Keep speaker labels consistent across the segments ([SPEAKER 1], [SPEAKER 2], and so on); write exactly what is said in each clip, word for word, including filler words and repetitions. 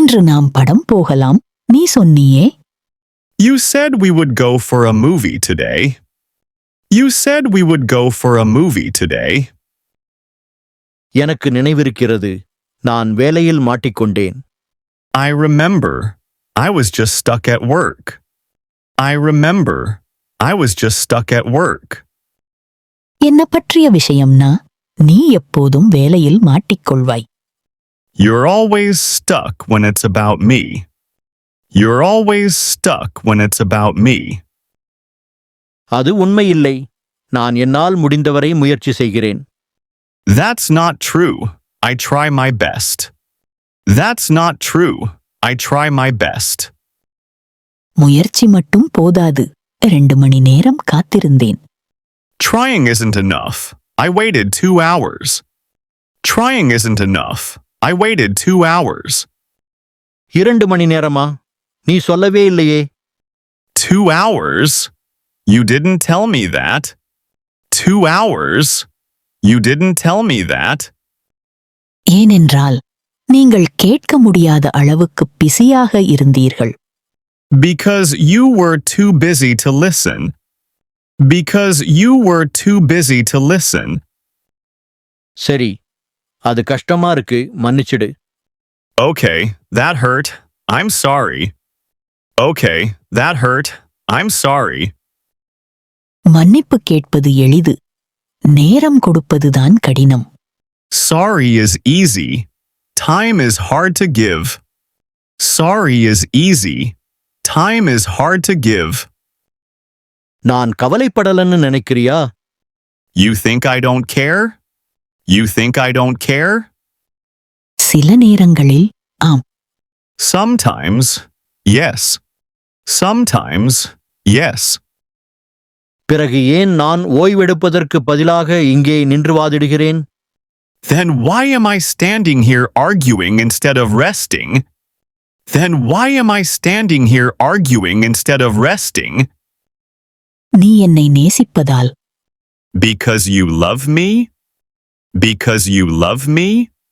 [SPEAKER 1] இன்று நாம் படம் போகலாம் நீ சொன்னியே.
[SPEAKER 2] You said we would go for a movie today. You said we would go for a movie today.
[SPEAKER 3] எனக்கு நினைவிருக்கிறது, நான் வேலையில் மாட்டிக்கொண்டேன்.
[SPEAKER 2] I remember. I was just stuck at work. I remember. I was just stuck at work.
[SPEAKER 1] என்ன பற்றிய விஷயம்னா நீ எப்போதும் வேலையில் மாட்டிக்கொள்வாய்.
[SPEAKER 2] You're always stuck when it's about me. You're always stuck when it's about me.
[SPEAKER 3] அது உண்மையில்லை. நான் என்னால் முடிந்தவரை முயற்சி செய்கிறேன்.
[SPEAKER 2] That's not true. I try my best. That's not true. I try my best.
[SPEAKER 1] முயற்சி மட்டும் போதாது. ரெண்டு மணி நேரம் காத்திருந்தேன்.
[SPEAKER 2] Trying isn't enough. I waited two hours. Trying isn't enough. I waited two hours.
[SPEAKER 3] இரண்டு மணி நேரமா? நீ சொல்லவே இல்லையே.
[SPEAKER 2] Two hours? You didn't tell me that. Two hours? You didn't tell me that.
[SPEAKER 1] ஏனென்றால் நீங்கள் கேட்க முடியாத அளவுக்கு பிஸியாக இருந்தீர்கள்.
[SPEAKER 2] Because you were too busy to listen. Because you were too busy to listen.
[SPEAKER 3] சரி, அது கஷ்டமா இருக்கு, மன்னிச்சிடு.
[SPEAKER 2] Okay, that hurt. I'm sorry. Okay, that hurt. I'm sorry.
[SPEAKER 1] மன்னிப்பு கேட்பது எளிது. நேரம் கொடுப்பதுதான் கடினம்.
[SPEAKER 2] Sorry is easy. Time is hard to give. Sorry is easy. Time is hard to give.
[SPEAKER 3] நான் கவலைப்படலன்னு நினைக்கிறியா?
[SPEAKER 2] You think I don't care? You think I don't care?
[SPEAKER 1] சில நேரங்களில் ஆம்.
[SPEAKER 2] Sometimes, yes. Sometimes, yes.
[SPEAKER 3] பிறகு ஏன் நான் ஓய்வெடுப்பதற்கு பதிலாக இங்கே நின்று வாதிடுகிறேன்?
[SPEAKER 2] Then why am I standing here arguing instead of resting? Then why am I standing here arguing instead of resting?
[SPEAKER 1] நீ என்னை நேசிப்பதால்.
[SPEAKER 2] Because you love me? Because you love me?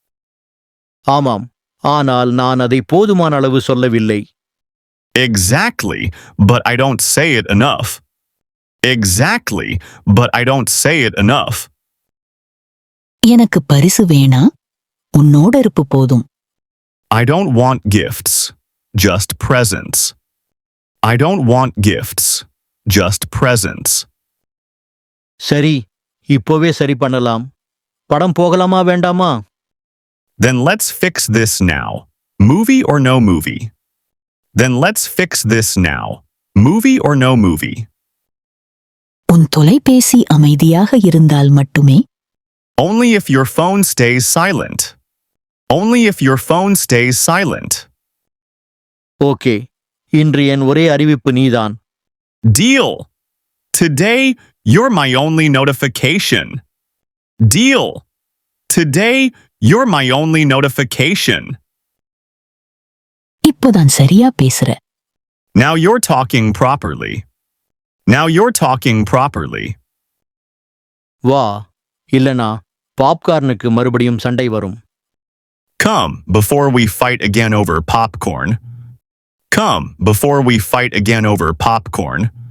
[SPEAKER 3] ஆமாம், ஆனால் நான் அதை போதுமான அளவு சொல்லவில்லை.
[SPEAKER 2] Exactly, but I don't say it enough. Exactly, but I don't say it enough.
[SPEAKER 1] எனக்கு பரிசு வேணா, உன்னோட இருப்பு போதும்.
[SPEAKER 2] I don't want gifts, just presents. I don't want gifts, just presents.
[SPEAKER 3] சரி, இப்போவே சரி பண்ணலாம். படம் போகலாமா வேண்டாமா?
[SPEAKER 2] Then let's fix this now. Movie or no movie? Then let's fix this now. Movie or no movie?
[SPEAKER 1] உன் தொலைபேசி அமைதியாக இருந்தால் மட்டுமே.
[SPEAKER 2] Only if your phone stays silent. Only if your phone stays silent.
[SPEAKER 3] Okay, இன்று என் ஒரே அறிவிப்பு நீதான்.
[SPEAKER 2] Deal. Today, you're my only notification. Deal. Today, you're my only notification.
[SPEAKER 1] இப்போதான் சரியா பேசுற.
[SPEAKER 2] Now you're talking properly. Now you're talking properly.
[SPEAKER 3] வா, இல்லனா பாப்கார்னுக்கு மறுபடியும் சண்டை வரும்.
[SPEAKER 2] Come before we fight again over popcorn. Come before we fight again over popcorn.